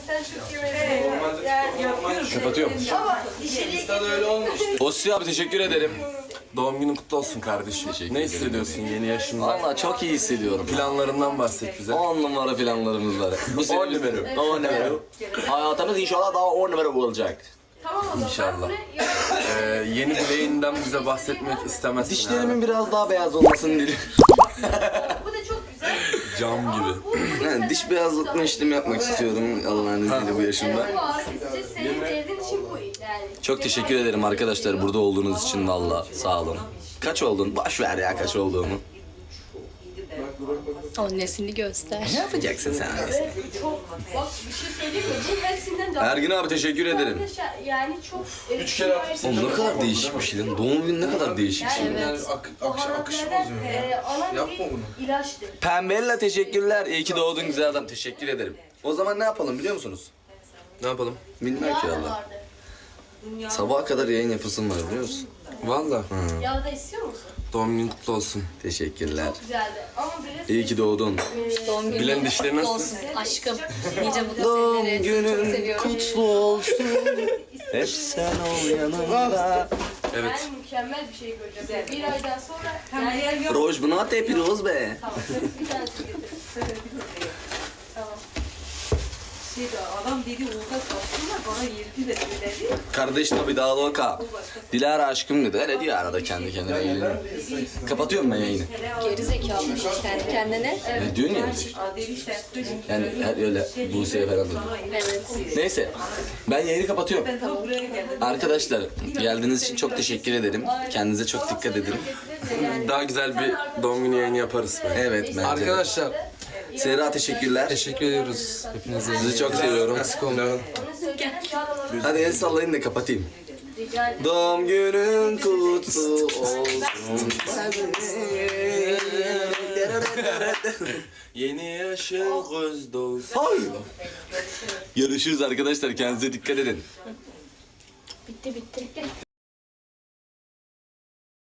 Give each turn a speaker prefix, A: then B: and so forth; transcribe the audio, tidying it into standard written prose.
A: sen çok iyi
B: Kapatıyorum.
A: Ama işe
C: öyle olmuştu.
B: Ossi abi teşekkür ederim.
D: Doğum günün kutlu olsun kardeşim. Ne hissediyorsun yeni yaşında?
B: Valla çok iyi hissediyorum.
D: Planlarından bahset bize.
B: 10 numara planlarımız var. Bu sene
D: 10 numara.
B: 10 numara. Hayatımız inşallah daha 10 numara olacak.
A: Tamam o zaman.
D: İnşallah. Yeni dileğinden bize bahsetmek istemezsin.
B: Dişlerimin biraz daha beyaz olmasını diliyorum.
A: Bu da çok güzel.
D: Cam gibi.
B: Yani diş beyazlatma işlemi yapmak istiyorum Allah'ın izniyle bu yaşımda.
A: Bu ağrı kesici senin derdin için bu yani.
B: Çok teşekkür ederim arkadaşlar burada olduğunuz için valla sağ olun. Kaç oldun? Boş ver ya kaç olduğumu.
E: Annesini göster.
B: Ne yapacaksın sen?
A: Çok bak bir şey söyleyeyim mi? Bu hepsinden daha.
B: Ergin abi teşekkür ederim.
A: Yani çok.
C: 3 kere hafif
B: Oğlum ne kadar değişik bir şey lan. Doğum günü ne kadar değişik şey.
C: yani akışı bozuyor ya.
A: Alan
C: Yapma
A: bir
C: bunu.
A: ilaçtır.
B: Pembella teşekkürler. İyi ki doğdun güzel adam. Teşekkür ederim. O zaman ne yapalım biliyor musunuz?
D: Ne yapalım?
B: Bilmem ki valla.
A: vardı.
B: Sabaha kadar yayın yapısın var biliyor musun?
D: Valla.
A: Yağda istiyor musun?
D: Doğum günün kutlu olsun.
B: Teşekkürler.
A: Güzeldi. Ama biraz
B: İyi ki doğdun.
E: Doğum günün
D: Bilen dişleri nasıl?
E: olsun aşkım. Nice mutlu
B: Doğum
E: seneleri. Çok
B: günün
E: seviyorum.
B: kutlu olsun. Hep sen ol yanımda.
D: Evet.
A: ben mükemmel bir şey göreceğim. Bir aydan sonra yani
B: Roj bunu at yapıyoruz be.
A: tamam. Bir tanesi getir. Tamam.
F: Adam dedi orada satsınlar bana 7 de söyledi.
B: Kardeş tabi daha loka. Dilara aşkım dedi. Öyle diyor arada kendi kendine eğleniyor. Kapatıyorum ben yayını.
E: Geri zekalı kendi kendine.
B: Ne diyorsun ya?
F: Adeli işte
B: Yani öyle Buse'ye falan dedi.
E: Evet.
B: Neyse ben yayını kapatıyorum.
F: ben de buraya geldim.
B: Arkadaşlar geldiğiniz için çok teşekkür ederim. Kendinize çok dikkat edin.
D: Daha güzel bir doğum günü yayını yaparız bence.
B: Evet bence.
D: Arkadaşlar
B: Serra teşekkürler.
D: teşekkür ediyoruz hepinize.
B: Sizi çok seviyorum.
D: Eksik olmayın.
A: Onu söyle.
B: Hadi el sallayın da kapatayım.
A: Rica ederim.
B: Doğum günün kutlu olsun.
D: Yeni yaşın göz doğsun.
B: Hayır. Görüşürüz arkadaşlar. Kendinize dikkat edin.
E: Bitti bitti.